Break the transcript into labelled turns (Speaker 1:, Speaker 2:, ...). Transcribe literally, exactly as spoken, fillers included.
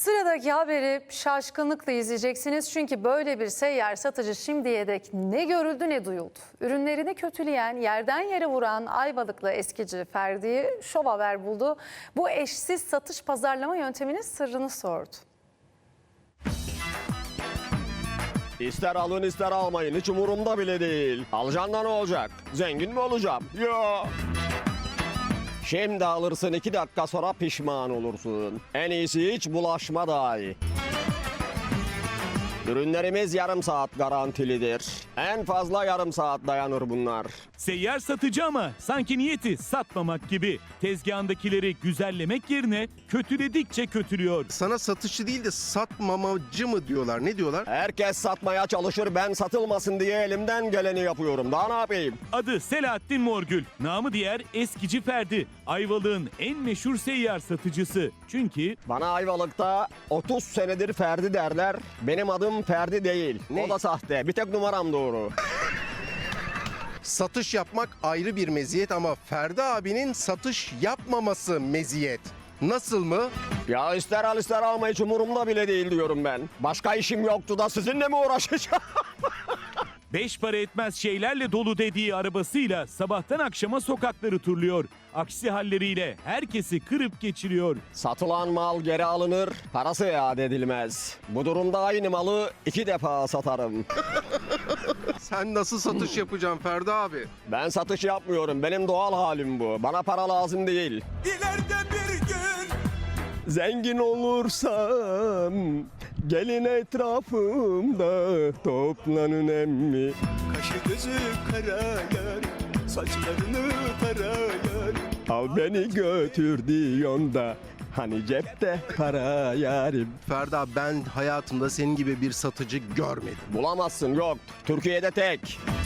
Speaker 1: Sıradaki haberi şaşkınlıkla izleyeceksiniz çünkü böyle bir seyyar satıcı şimdiye dek ne görüldü ne duyuldu. Ürünlerini kötüleyen, yerden yere vuran Ayvalıklı eskici Ferdi'yi Şov Haber buldu. Bu eşsiz satış pazarlama yönteminin sırrını sordu.
Speaker 2: İster alın ister almayın, hiç umurumda bile değil. Alacaksın da ne olacak? Zengin mi olacağım? Yo. Şimdi alırsın, iki dakika sonra pişman olursun. En iyisi hiç bulaşma daha iyi. Ürünlerimiz yarım saat garantilidir. En fazla yarım saat dayanır bunlar.
Speaker 3: Seyyar satıcı ama sanki niyeti satmamak gibi. Tezgahındakileri güzellemek yerine kötüledikçe kötülüyor.
Speaker 4: Sana satışçı değil de satmamacı mı diyorlar? Ne diyorlar?
Speaker 2: Herkes satmaya çalışır, ben satılmasın diye elimden geleni yapıyorum. Daha ne yapayım?
Speaker 3: Adı Selahattin Morgül, namı diğer Eskici Ferdi. Ayvalık'ın en meşhur seyyar satıcısı. Çünkü
Speaker 2: Bana Ayvalık'ta otuz senedir Ferdi derler. Benim adım Ferdi değil.
Speaker 4: Ne?
Speaker 2: O da sahte. Bir tek numaram doğru.
Speaker 4: Satış yapmak ayrı bir meziyet ama Ferdi abinin satış yapmaması meziyet. Nasıl mı?
Speaker 2: Ya ister al ister alma, hiç umurumda bile değil diyorum ben. Başka işim yoktu da sizinle mi uğraşacağım?
Speaker 3: beş para etmez şeylerle dolu dediği arabasıyla sabahtan akşama sokakları turluyor. Aksi halleriyle herkesi kırıp geçiriyor.
Speaker 2: Satılan mal geri alınır, parası iade edilmez. Bu durumda aynı malı iki defa satarım.
Speaker 4: Sen nasıl satış yapacaksın Ferdi abi?
Speaker 2: Ben satış yapmıyorum, benim doğal halim bu. Bana para lazım değil.
Speaker 3: İleride bir gün
Speaker 2: Zengin olursam gelin etrafımda toplanın emmi.
Speaker 5: Kaşı gözü kara yar, saçlarını tara yar.
Speaker 2: Al beni götür diyorsun da hani cepte para yarim.
Speaker 4: Ferdi abi ben hayatımda senin gibi bir satıcı görmedim.
Speaker 2: Bulamazsın, yok. Türkiye'de tek.